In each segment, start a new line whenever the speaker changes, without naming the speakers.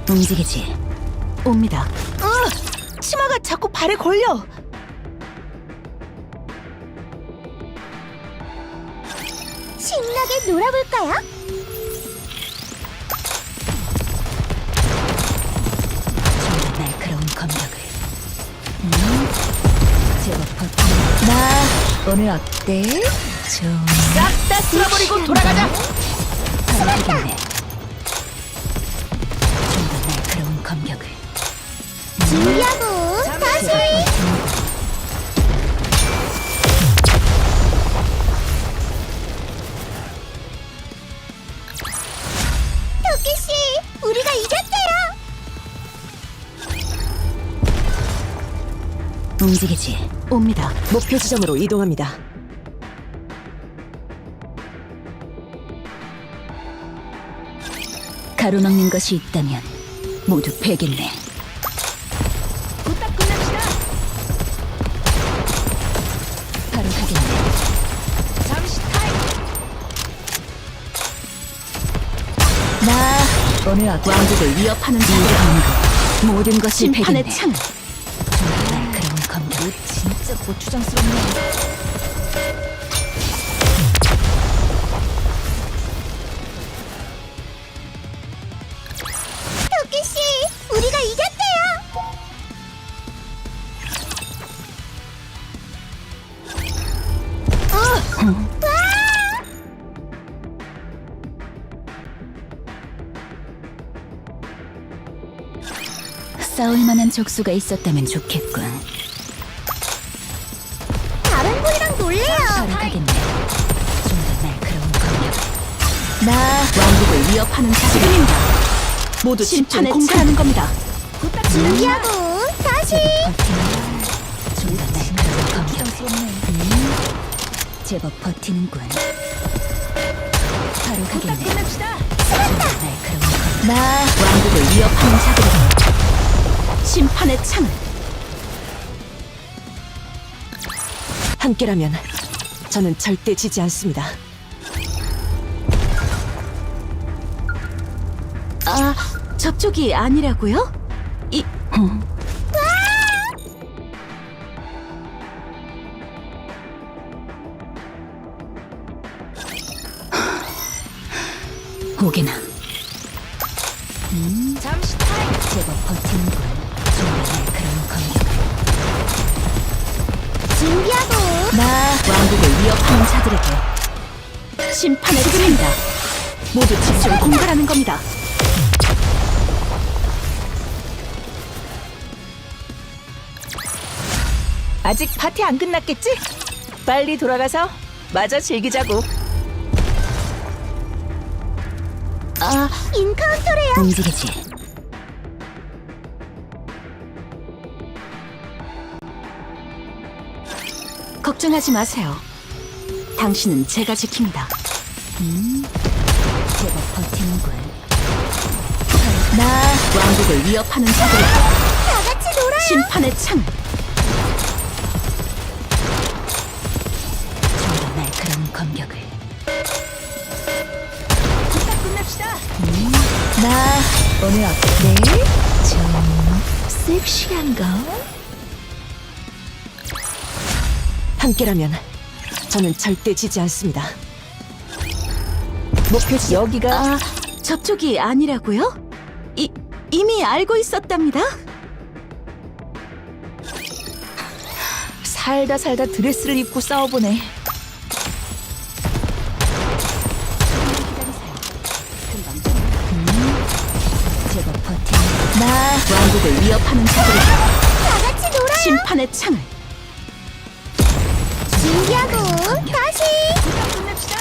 움직이지. 옵니다. 치마가 자꾸 발에 걸려.
신나게 놀아볼까요?
좀 더 날카로운 검격을. 제법 버틴. 나 오늘 어때? 좀
싹 다 쓸어버리고 돌아가자.
바라겠네. 좀 더 날카로운 검격을.
준비하고 다시. 토끼씨, 우리가 이겼대요.
움직이지. 옵니다.
목표 지점으로 이동합니다.
가로막는 것이 있다면 모두 베겠네.
부탁 끝냅시다.
바로 가겠네.
잠시 타임.
나 오늘 왕국을 위협하는 자들 모든 것이
심판의
베겠네.
창.
좀 더 날카로운 검격을.
진짜 고추장스럽네.
토끼씨, 우리가 이겼대요.
싸울 만한 적수가 있었다면 좋겠군.
다른 분이랑 놀래요.
바로 가겠네. 좀 더 날카로운 검격. 나 왕국을 위협하는 자들입니다.
모두
심판의
집중 공갈하는 겁니다.
준비하고 다시.
좀 더 날카로운 검격. 제법 버티는군. 바로 가겠네.
끝냅시다.
좀 더 날카로운 검격. 나 왕국을 위협하는 자들입니다.
심판의 창.
함께라면 저는 절대 지지 않습니다.
아, 접촉이 아니라고요? 이 오게나.
잠시 타임.
제법 버티는군. 좀 더 날카로운 검격.
준비하고
나 왕국을 위협하는 자들에게
심판의 창입니다. 모두 집중 공갈하는 겁니다. 아직 파티 안 끝났겠지? 빨리 돌아가서 마저 즐기자고.
인카운터래요.
움직이지.
걱정하지 마세요. 당신은 제가 지킵니다.
제법 버티는군. 나 왕국을 위협하는 자들에게
다 같이 놀아요.
심판의 창.
좀 더 날카로운 검격을.
부탁 끝냅시다.
나 오늘 어때? 좀 섹시한가?
함께라면 저는 절대 지지 않습니다.
목표 여기가
아, 접촉이 아니라고요? 이미 알고 있었답니다.
살다 살다 드레스를 입고 싸워보네.
제법 버티는. 나 왕국을 위협하는 자들에게
다 같이 놀아요.
심판의 창을.
준비하고 다시.
끝냅시다.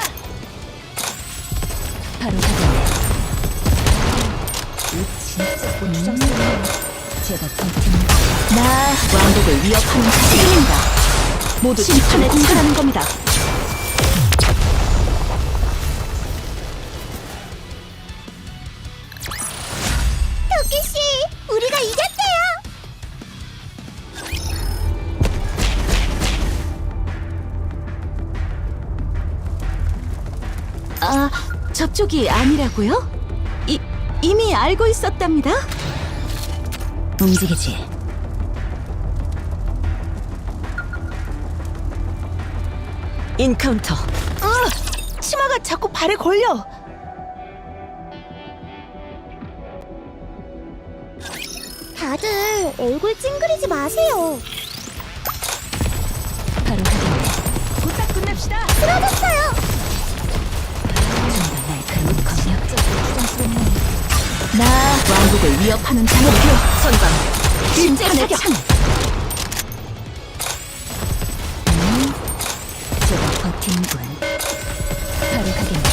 바로 가겠네.
진짜 고추장스럽네.
제법 버티는. 나 왕국을 위협하는 자들입니다.
모두
심판의
집중 공갈하는 겁니다.
토끼씨, 우리가 이겼대요.
아, 접촉이 아니라고요?
이미 알고 있었답니다.
움직이지.
인카운터.
치마가 자꾸 발에 걸려.
다들 얼굴 찡그리지 마세요.
바로 가겠네.
부탁 끝냅시다.
쓰러졌어요.
좀 더 날카로운 검역적으로 부담스럽네. 나 왕국을 위협하는 자들.
목표 선방.
심판의
사격.
창. 제법 버틴군. 바로 가겠네.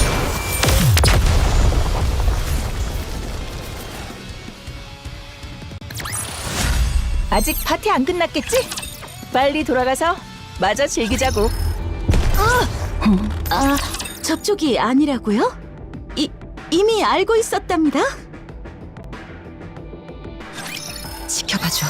아직 파티 안 끝났겠지? 빨리 돌아가서 마저 즐기자고.
접촉이 아니라고요? 이미 알고 있었답니다. 지켜봐줘.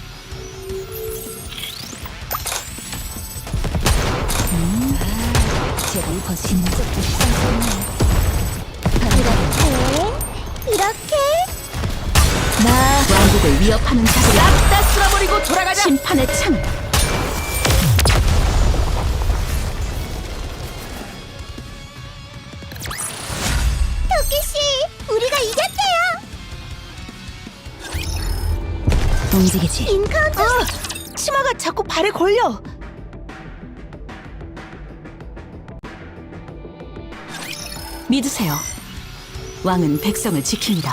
제법 버틴 적도 부담스럽네. 바로 가겠네.
이렇게
나 왕국을 위협하는 자들.
싹 다 쓸어버리고 돌아가자.
심판의 창.
토끼씨, 우리가 이겼대요.
움직이지.
인카운터.
치마가 자꾸 발에 걸려.
믿으세요. 왕은 백성을 지킵니다.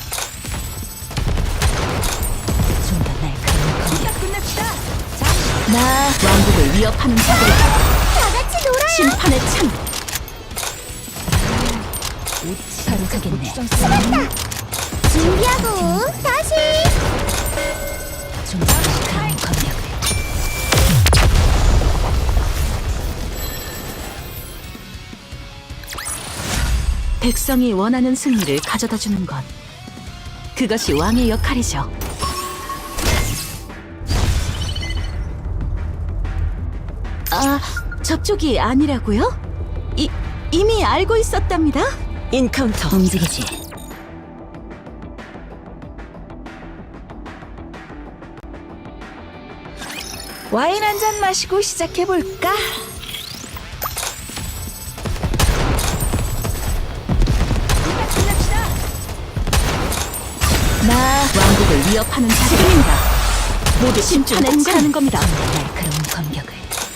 좀 더 날카로운 검역.
부탁 끝냅시다.
나 왕국을 위협하는 자들.
다 같이 놀아요.
심판의 창.
바로 가겠네.
준비하고 다시.
좀 더 날카로운 검역을.
백성이 원하는 승리를 가져다 주는 것. 그것이 왕의 역할이죠. 접촉이 아니라고요? 이미 알고 있었답니다. 인카운터.
움직이지.
와인 한 잔 마시고 시작해 볼까? 부탁 끝냅시다.
나
왕국을 위협하는 자들입니다. 모두 심판에 차는 겁니다.
날카로운 검역을.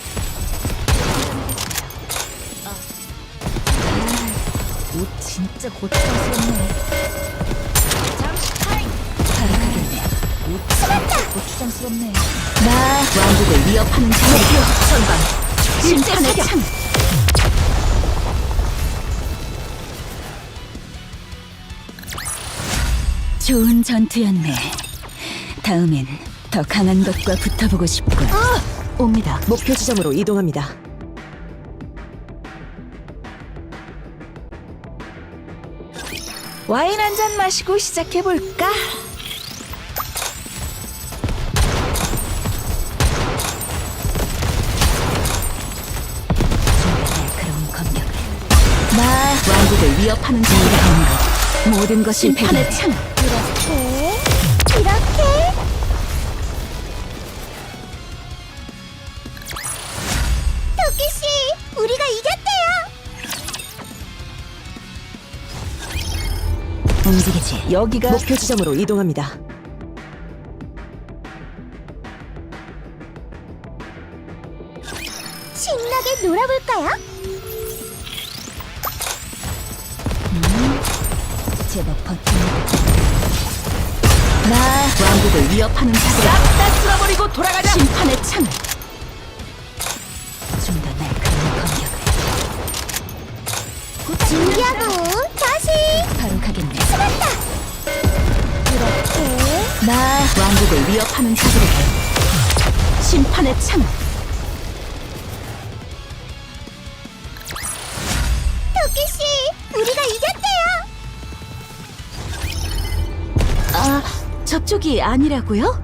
옷 진짜 고추장스럽네.
잠시 타임.
바로 가겠네. 옷 진짜 고추장스럽네. 나 왕국을 위협하는 자들.
선방. 심판의 창.
좋은 전투였네. 다음엔 더 강한 것과 붙어보고 싶군.
옵니다. 목표 지점으로 이동합니다.
와인 한 잔 마시고 시작해 볼까?
날카로운 검역을. 나
왕국을 위협하는 자들입니다.
모든 것이
심판의
배경에.
창.
이렇게. 토끼씨, 우리가 이겼대요.
움직이지.
여기가
목표 지점으로 이동합니다.
신나게 놀아볼까요?
제법 버틴. 나
왕국을 위협하는 자들.
싹 다 쓸어버리고 돌아가자.
심판의 창.
좀 더 날카로운 검역을.
준비하고 다시.
바로 가겠네.
이렇게.
나
왕국을 위협하는 자들에게 심판의 창.
토끼씨, 우리가 이겼대요.
접촉이 아니라고요?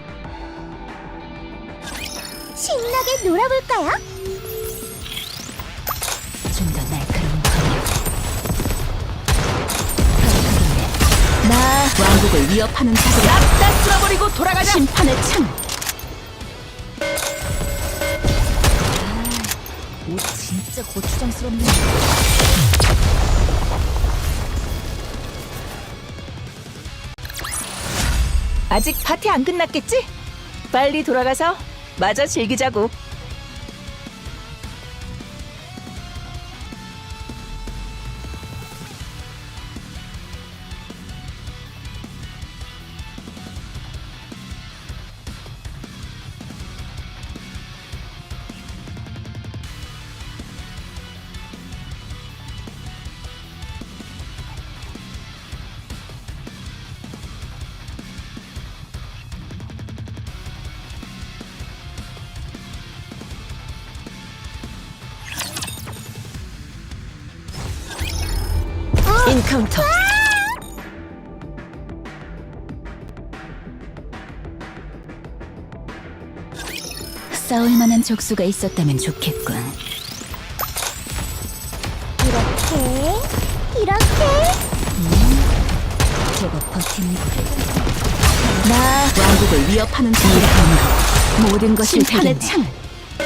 신나게 놀아볼까요?
왕국을 위협하는 자들
싹 다 쓸어버리고 돌아가자.
심판의 창
옷 진짜 고추장스럽네.
아직 파티 안 끝났겠지? 빨리 돌아가서 마저 즐기자고.
인카운터
싸울 만한 적수가 있었다면 좋겠군.
이렇게
제법 버티는
나
왕국을 위협하는 자들
모든 것을
심판의
되겠네.
창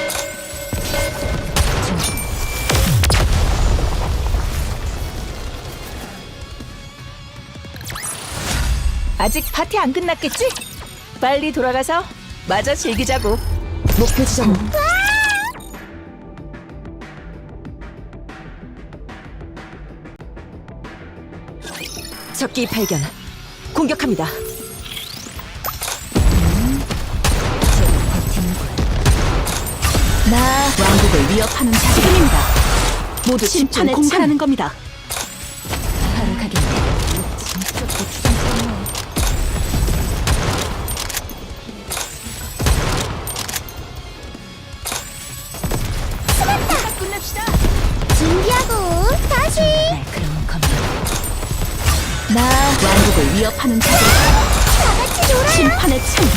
아직 파티 안 끝났겠지? 빨리 돌아가서 마저 즐기자고.
목표 지점 적기 발견 공격합니다.
나
왕국을 위협하는 자들입니다. 모두 심판
심판의
공갈하는 겁니다.
바로 가겠네. 진짜 고추장스럽네.
끝냅시다.
준비하고 다시
날카로운 검역.
나
왕국을 위협하는 자들
다 같이 놀아요.
심판의 창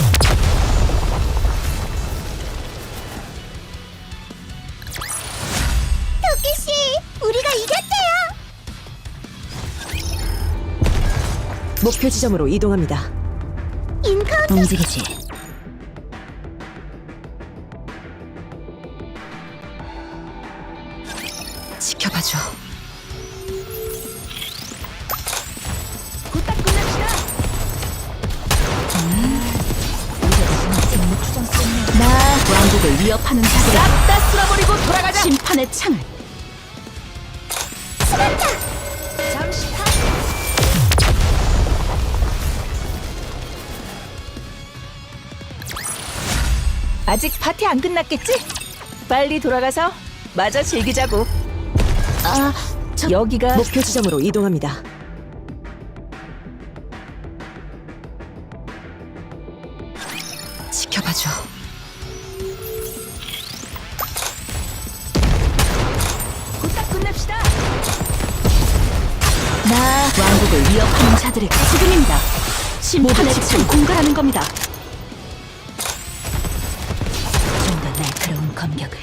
토끼씨, 우리가 이겼대요.
목표 지점으로 이동합니다.
인카운터
움직이지.
지켜봐줘.
곧다 끝냅시다. 나
왕국을 위협하는 자들
싹 다 쓸어버리고 돌아가자.
심판의 창
잠시 타. 아직 파티 안 끝났겠지? 빨리 돌아가서 마저 즐기자고.
아,
여기가
목표 지점으로 이동합니다. 지켜봐줘.
곧다 끝냅시다.
나 왕국을 위협하는 자들의 지금입니다. 심판의 창 공갈하는 겁니다.
좀 더 날카로운 검격을.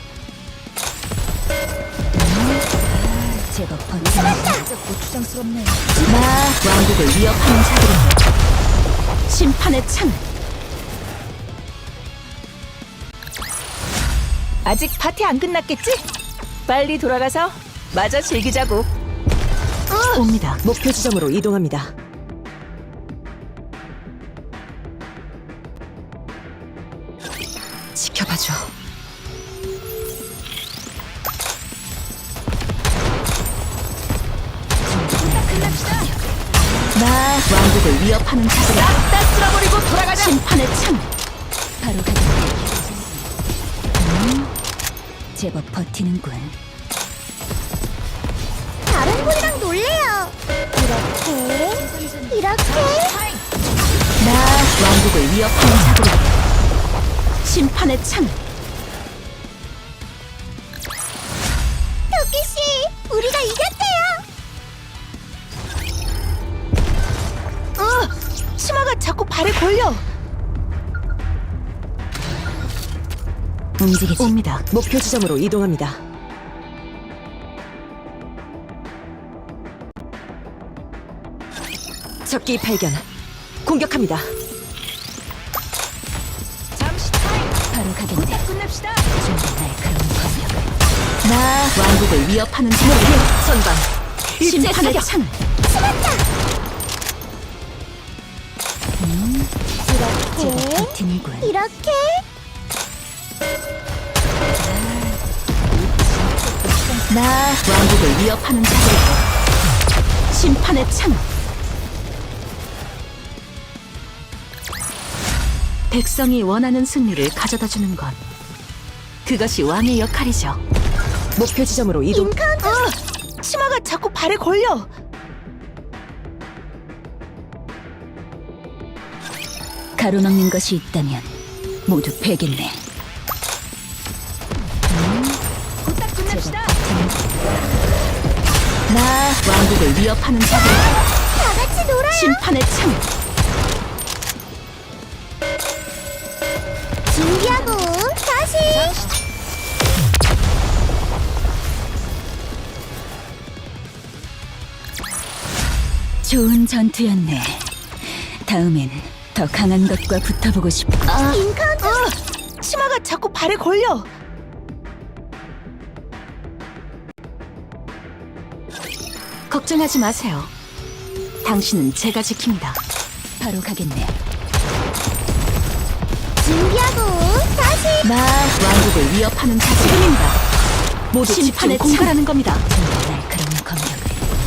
제법 버티는 진짜 고추장스럽네.
나 왕국을 위협하는 자들의 심판의 창
아직 파티 안 끝났겠지? 빨리 돌아가서 마저 즐기자고.
옵니다. 목표 지점으로 이동합니다. 지켜봐줘.
나
왕국을 위협하는 자들의
싹 다 쓸어버리고 돌아가자.
심판의 창
바로 가겠네. 제법 버티는군.
다른 분이랑 놀래요. 이렇게
나 왕국을 위협하는 자들의 심판의 창
토끼씨, 우리가 이겼대요.
치마가 자꾸 발에 걸려.
움직이지.
옵니다. 목표 지점으로 이동합니다. 적기 발견.
공격합니다. 잠시 타임.
바로 가겠네.
끝냅시다.
좀 더 날카로운 공격을.
나
왕국을 위협하는
목표
자들.
선방. 일제
심판의
사격.
창.
제법
이렇게,
버티는군.
이렇게.
나
왕국을 위협하는 자들. 심판의 창. 백성이 원하는 승리를 가져다 주는 것. 그것이 왕의 역할이죠.
목표 지점으로 이동.
인카운터.
치마가 자꾸 발에 걸려.
가로막는 것이 있다면 모두 베겠네.
딱 끝냅시다.
나 왕국을 위협하는 자들.
다 같이 놀아요.
심판의 창.
준비하고 다시.
좋은 전투였네. 다음엔 더 강한 것과 붙어보고 싶고.
인카운터.
치마가 자꾸 발에 걸려.
걱정하지 마세요. 당신은 제가 지킵니다.
바로 가겠네.
준비하고 다시.
나 왕국을 위협하는 자들입니다. 모두 심판에
집중
공갈하는 겁니다.
좀 더 날카로운 공격을.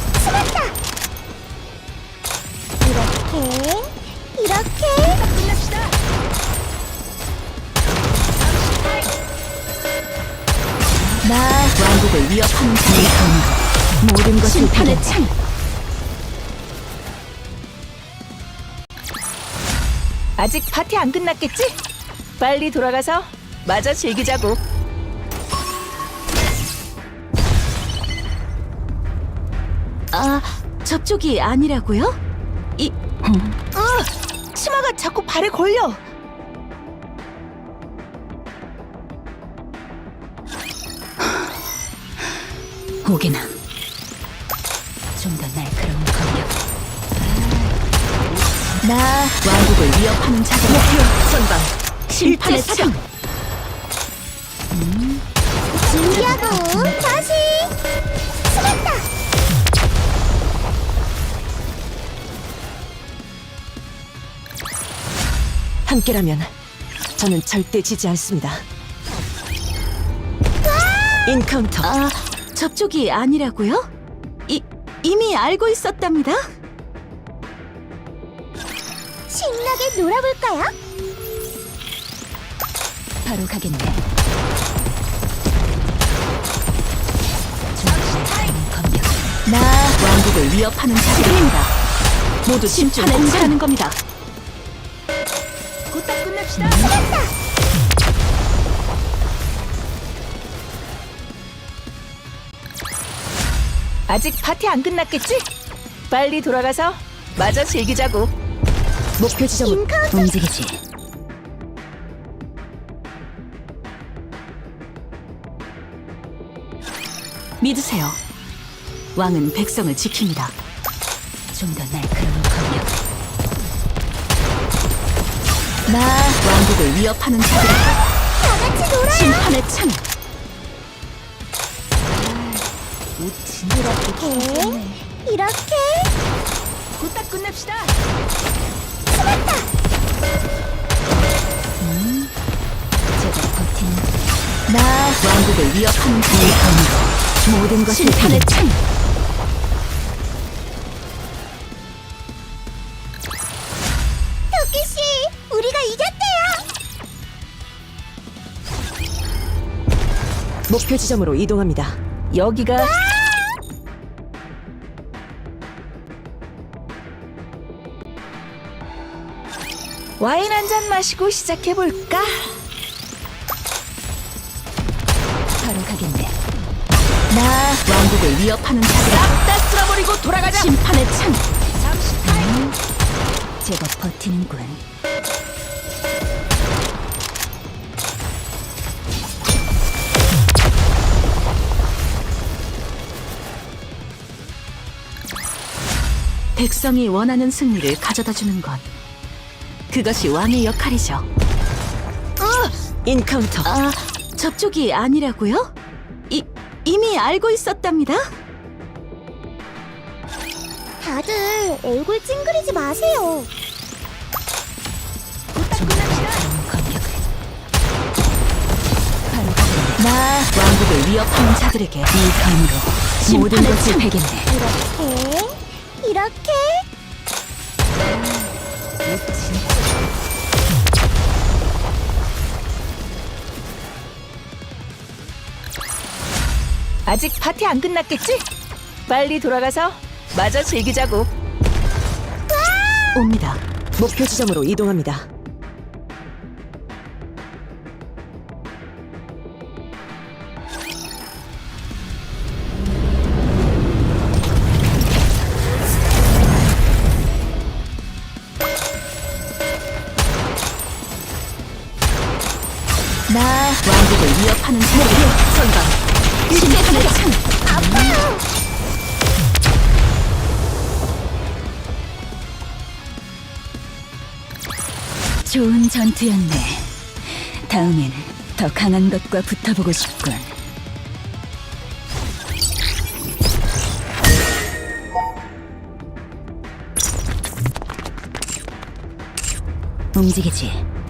이렇게, 이렇게.
끝냅시다.
나 왕국을 위협하는 자들.
모든 것을
심판의
베겠네.
창.
아직 파티 안 끝났겠지? 빨리 돌아가서 마저 즐기자고.
아, 저쪽이 아니라고요?
치마가 자꾸 발에 걸려.
오게나. 좀 더 날카로운 공격.
나 왕국을 위협하는 자들.
목표 선방.
심판의
일제
창.
준비하고 다시. 숨었다.
함께라면 저는 절대 지지 않습니다. 인카운터.
아, 저쪽이 아니라고요? 이미 알고 있었답니다.
신나게 놀아볼까요?
바로 가겠네. 좀 더 날카로운 공격.
나 왕국을 위협하는 자들입니다. 모두 심판에 공갈하는 겁니다.
곧다 끝냅시다. 아직 파티 안 끝났겠지? 빨리 돌아가서 마저 즐기자고. 목표 지점으로
인카운터.
움직이지.
믿으세요. 왕은 백성을 지킵니다.
좀 더 날카로운 공격.
나 왕국을 위협하는 자들.
다 같이 놀아요.
심판의 창.
이렇게, 이렇게.
곧다 끝냅시다.
제법 버티는.
나 왕국을 위협하는 자들.
모든 것을
심판의
베겠네.
창.
토끼 씨, 우리가 이겼대요.
목표 지점으로 이동합니다. 여기가 와인 한 잔 마시고 시작해 볼까?
바로 가겠네.
나 왕국을 위협하는 자들.
싹다 쓸어버리고 돌아가자.
심판의 창.
잠시 타임.
제법 버티는군.
백성이 원하는 승리를 가져다 주는 것. 그것이 왕의 역할이죠.
인카운터.
아, 접촉이 아니라고요? 이미 알고 있었답니다.
다들 얼굴 찡그리지 마세요.
나
왕국을 위협하는 자들에게 이 검으로 모든
심판의
것을
침.
베겠네.
이렇게
아직 파티 안 끝났겠지? 빨리 돌아가서 마저 즐기자고.
옵니다.
목표 지점으로 이동합니다.
나
왕국을 위협하는 자들에게 선방. 심판의 창. 좋은 전투였네. 다음엔 더 강한 것과 붙어보고 싶군. 움직이지.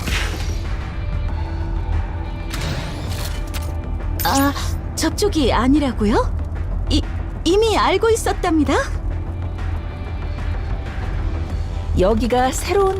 아, 접촉이 아니라고요? 이미 알고 있었답니다.
여기가 새로운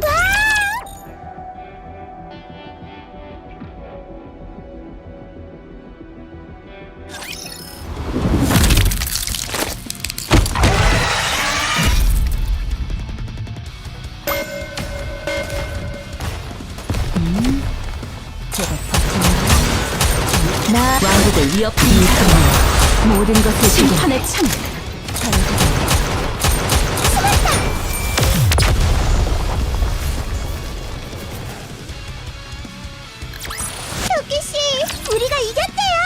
나
왕국을 위협하는 모든 것을 심판의 창.
토끼 씨, 우리가 이겼대요.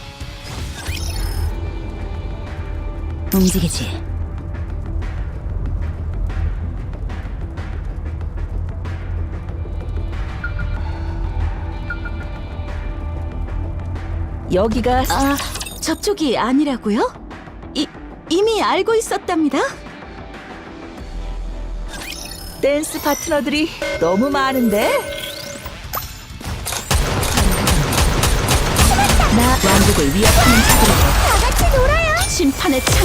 움직이지.
여기가
아, 접촉이 아니라고요? 이미 알고 있었답니다.
댄스 파트너들이 너무 많은데?
나 왕국을 위협하는 자들에게
다 같이 놀아요.
심판의 창.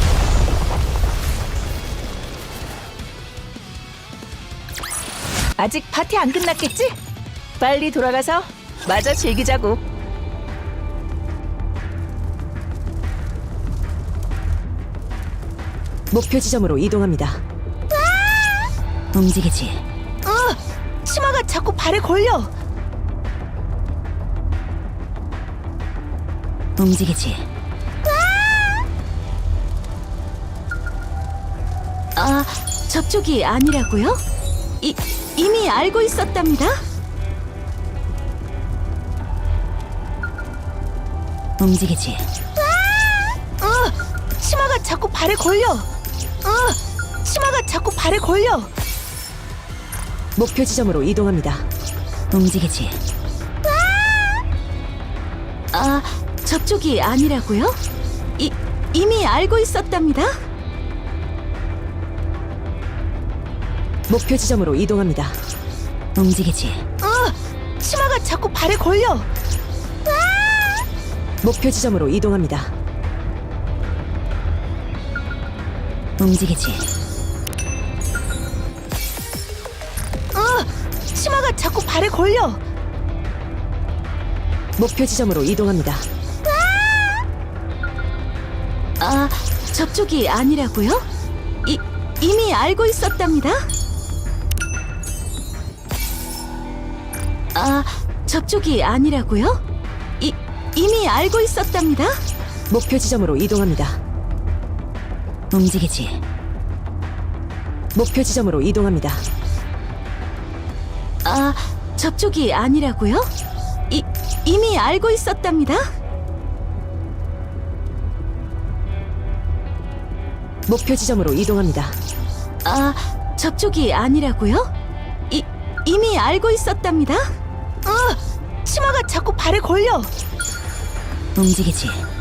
아직 파티 안 끝났겠지? 빨리 돌아가서 마저 즐기자고. 목표 지점으로 이동합니다.
움직이지.
치마가 자꾸 발에 걸려.
움직이지. 아, 접촉이 아니라고요? 이미 알고 있었답니다. 움직이지.
치마가 자꾸 발에 걸려. 치마가 자꾸 발에 걸려. 목표 지점으로 이동합니다.
움직이지. 아, 접촉이 아니라고요? 이미 알고 있었답니다.
목표 지점으로 이동합니다.
움직이지.
치마가 자꾸 발에 걸려. 목표 지점으로 이동합니다.
움직이지.
치마가 자꾸 발에 걸려. 목표 지점으로 이동합니다.
아, 접촉이 아니라고요? 이미 알고 있었답니다. 아, 접촉이 아니라고요? 이미 알고 있었답니다.
목표 지점으로 이동합니다.
움직이지.
목표 지점으로 이동합니다.
아, 접촉이 아니라고요? 이미 알고 있었답니다.
목표 지점으로 이동합니다.
아, 접촉이 아니라고요? 이미 알고 있었답니다.
치마가 자꾸 발에 걸려.
움직이지.